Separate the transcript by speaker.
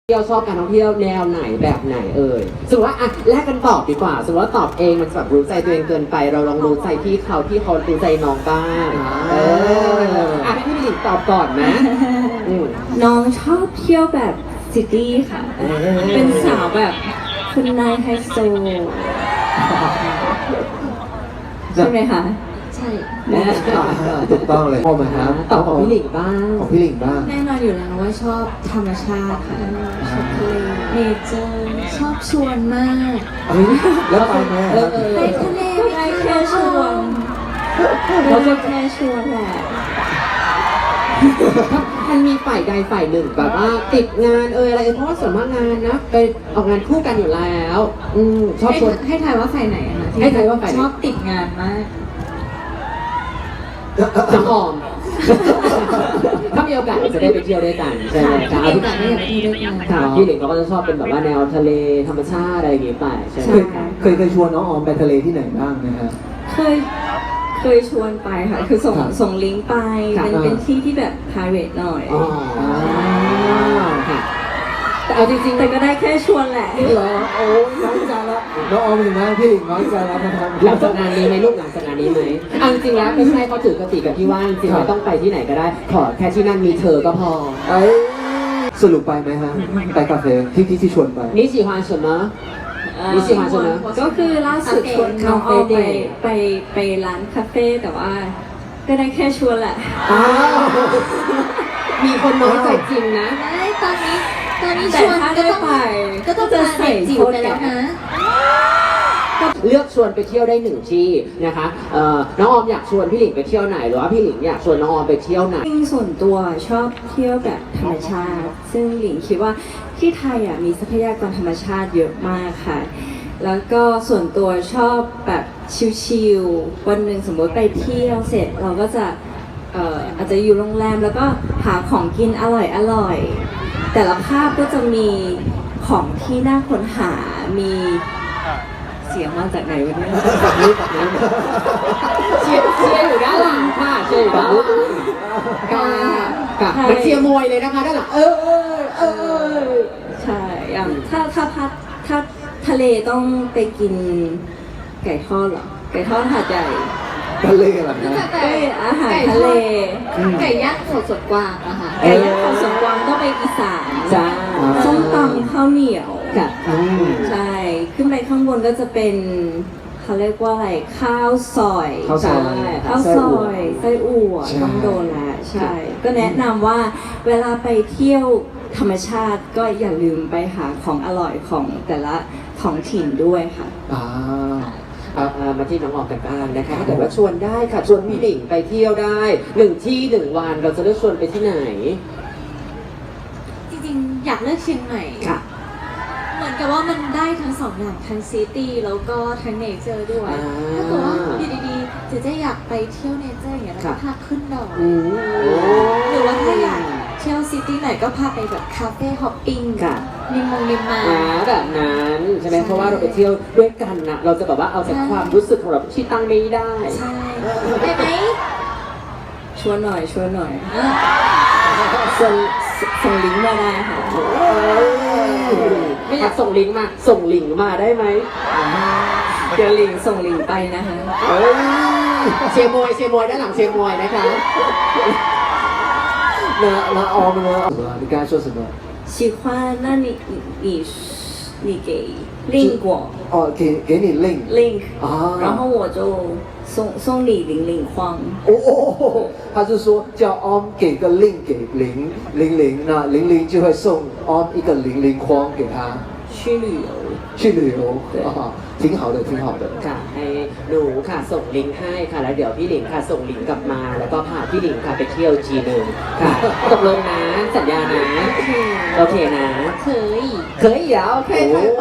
Speaker 1: เที่ยวชอบการท่องเที่ยวแนวไหนแบบไหนสมมติว่าอ่ะแลกกันตอบดีกว่าสมมติว่าตอบเองมันแบบรู้ใจตัวเองเกินไปเราลองรู้ใจพี่เขารู้ใจน้องบ้างอ่ะพี่หลิงตอบก่อนนะ
Speaker 2: น้องชอบเที่ยวแบบซิตี้ค่ะ เป็นสาวแบบคุณนายไฮโซใช่ไหมคะใช่
Speaker 3: ถูกต้องเลยพ่อมาครับ
Speaker 1: ตอบของพี่หลิงบ้าง
Speaker 3: ของพี่หลิงบ้าง
Speaker 2: แน่นอนอยู่แล้วว่าชอบธรรมชาติค่ะชอบทะเลเนเจอร์ชอบชวนมาก
Speaker 3: แล้วไปไหม
Speaker 2: ไปทะเลไปแค่ชวนเราจะแค่ชวนแหละ
Speaker 1: มันมีฝ่ายใดฝ่ายหนึ่งแบบว่าติดงานอะไรเพราะว่าส่วนมากงานนะไปออกงานคู่กันอยู่แล้วชอบชวน
Speaker 2: ให้ทายว่าฝ่ายไหนอะคะ
Speaker 1: ให้ทายว่าฝ่ายไหน
Speaker 2: ชอบติดงานมาก
Speaker 1: น้องออม ถ้ามีโอกาสจะได้ไปเที่ยวด้วยกันใช่ไหมครับ
Speaker 2: มีโอกาสได้ไปเที่ยวด้วยกัน
Speaker 1: ค่ะพี่หลิงเขาก็จะชอบเป็นแบบว่าแนวทะเลธรรมชาติอะไรอย่างเงี้ยไปใช่ไหมครับ
Speaker 3: เคยชวนน้องออมไปทะเลที่ไหนบ้างนะฮะ
Speaker 2: เคยชวนไปค่ะ คือส่งลิงก์ไป เป็นที่ที่แบบ private หน่อย
Speaker 1: อ๋อค่ะแต่เอาจริงๆ
Speaker 2: แต่ก็ได้แค่ชวนแหละ
Speaker 3: เหรอโอ้ยน้อยใจแล้วน้องออมเห็นไหมพี่หลิงน้อยใจแล้วนะครับ
Speaker 1: หลังจากงานนี้ไหมลูกหลังจากงานนี้ไหมเอาจริงๆแล้วไม่ใช่เขาถือกติกับที่ว่าจริงๆไม่ต้องไปที่ไหนก็ได้ ขอแค่ที่นั่นมีเธอก็พอ
Speaker 3: สรุปไปไหมฮะไปคาเฟ่ที่ชวนไป
Speaker 1: 你喜欢什么你喜欢什么
Speaker 2: ก็คือล่าสุดชวนน้องออมไปร้านคาเฟ่แต่ว่า ก็ได้แค่ชวนแหละ
Speaker 1: อ้าวมีคนน้อยใจจริงนะ
Speaker 4: ตอนนี้ช
Speaker 2: แต่
Speaker 4: วน
Speaker 2: ถ้า
Speaker 4: ก็
Speaker 2: ได้
Speaker 4: ต้อง
Speaker 2: ไป
Speaker 4: ก็ต้อง
Speaker 2: จะ
Speaker 4: มา
Speaker 2: ใส่
Speaker 4: เด็กจิ๋วไปแล้วนะ
Speaker 1: เลือกชวนไปเที่ยวได้หนึ่งที่นะคะน้องออมอยากชวนพี่หลิงไปเที่ยวไหนหรือว่าพี่หลิงอยากชวนน้องออมไปเที่ยวไหน
Speaker 2: จริงส่วนตัวชอบเที่ยวแบบธรรมชาติ ซึ่งหลิงคิดว่าที่ไทยมีทรัพยากรธรรมชาติเยอะมากค่ะ แล้วก็ส่วนตัวชอบแบบชิลๆวันหนึ่งสมมติไปเที่ยวเสร็จเราก็จะอาจจะอยู่โรงแรมแล้วก็หาของกินอร่อยแต่ละภาพก็จะมีของที่น่าค้นหามีเสียงมาจากไหนวะเนี่ย
Speaker 1: เชียร์อยู่ด้านหลังค่ะเชียร์อยู่ด้านหลังค่ะมันเชียร์มวยเลยนะคะด้านหลัง
Speaker 2: ใช่อย่างถ้าทะเลต้องไปกินไก่ทอดเหรอ ไก่ทอดหาดใหญ่
Speaker 3: ทะเลเหรอนะ
Speaker 2: เอ้ยอาหารทะเล
Speaker 4: ไก่ย่างสดกวางอะค่ะ
Speaker 2: ไก่ย่างของสวนกวางต้องไปอีสาน
Speaker 1: จ้า
Speaker 2: ส้มตำข้าวเหนียว
Speaker 1: ค่ะ
Speaker 2: ใช่ ขึ้นไปข้างบนก็จะเป็นเขาเรียกว่าอะไรข้าวซอย
Speaker 3: ข้าวซอย
Speaker 2: ใช่ข้าวซอยไส้อั่วต้องโดนแล้วใช่ ก็แนะนำว่าเวลาไปเที่ยวธรรมชาติก็อย่าลืมไปหาของอร่อยของแต่ละท้องถิ่นด้วยค่ะ
Speaker 1: มาที่น้องออมกันบ้างนะคะถ้าเกิดว่าชวนได้ค่ะชวนพี่หลิงไปเที่ยวได้หนึ่งที่หนึ่งวันเราจะเลือกชวนไปที่ไหน
Speaker 4: จริงๆ อยากเลือกเชียงใหม่
Speaker 1: ค่ะ
Speaker 4: เหมือนกับว่ามันได้ทั้งสองอย่างทั้งซิตี้แล้วก็ทั้งเนเจอร์ด้วย ถ้าเกิดว่าอยู่ดีๆเจะอยากไปเที่ยวเนเจอร์อย่างเงี้ยแล้วก็พาขึ้นดอย หรือว่าถ้าอยากเที่ยวซิตี้ไหนก็พาไปแบบคาเฟ่ฮอปปิ้ง
Speaker 1: ค่ะ
Speaker 4: ริมมา
Speaker 1: แบบนั้นใช่ไหม
Speaker 4: ใช่
Speaker 1: เพราะว่าเราไปเที่ยวด้วยกันนะเราจะแบบว่าเอาแต่ความรู้สึกของเราที่ตั้งไม่ได้
Speaker 4: ใช่ได้ไหม
Speaker 2: ชวนหน่อยส่งลิงก์มาได้ค่ะ
Speaker 1: ไม่อยากส่งลิงก์มาส่งลิงก์มาได้ไหม
Speaker 2: เดี๋ยวลิงก์ส่งลิงก์ไปนะคะ
Speaker 1: เชียร์มวยด้านหลังเชียร์มวยนะคะ
Speaker 3: 那ออม呢？你刚才说什么？
Speaker 2: 喜欢那你给 link 我
Speaker 3: 哦，给你 link
Speaker 2: 然后我就送你00框。
Speaker 3: 他是说叫 om 给个 link 给00，那00就会送 om 一个00框给他去旅游挺好的
Speaker 1: ค่ะให้หนูค่ะส่งลิงก์ให้ค่ะแล้วเดี๋ยวพี่หลิงค่ะส่งลิงก์กลับมา แล้วก็พาพี่หลิงค่ะไปเที่ยวจีนึงค่ะตกลงนะสัญญานะโอเคนะ
Speaker 4: เคย
Speaker 1: 可以啊 OK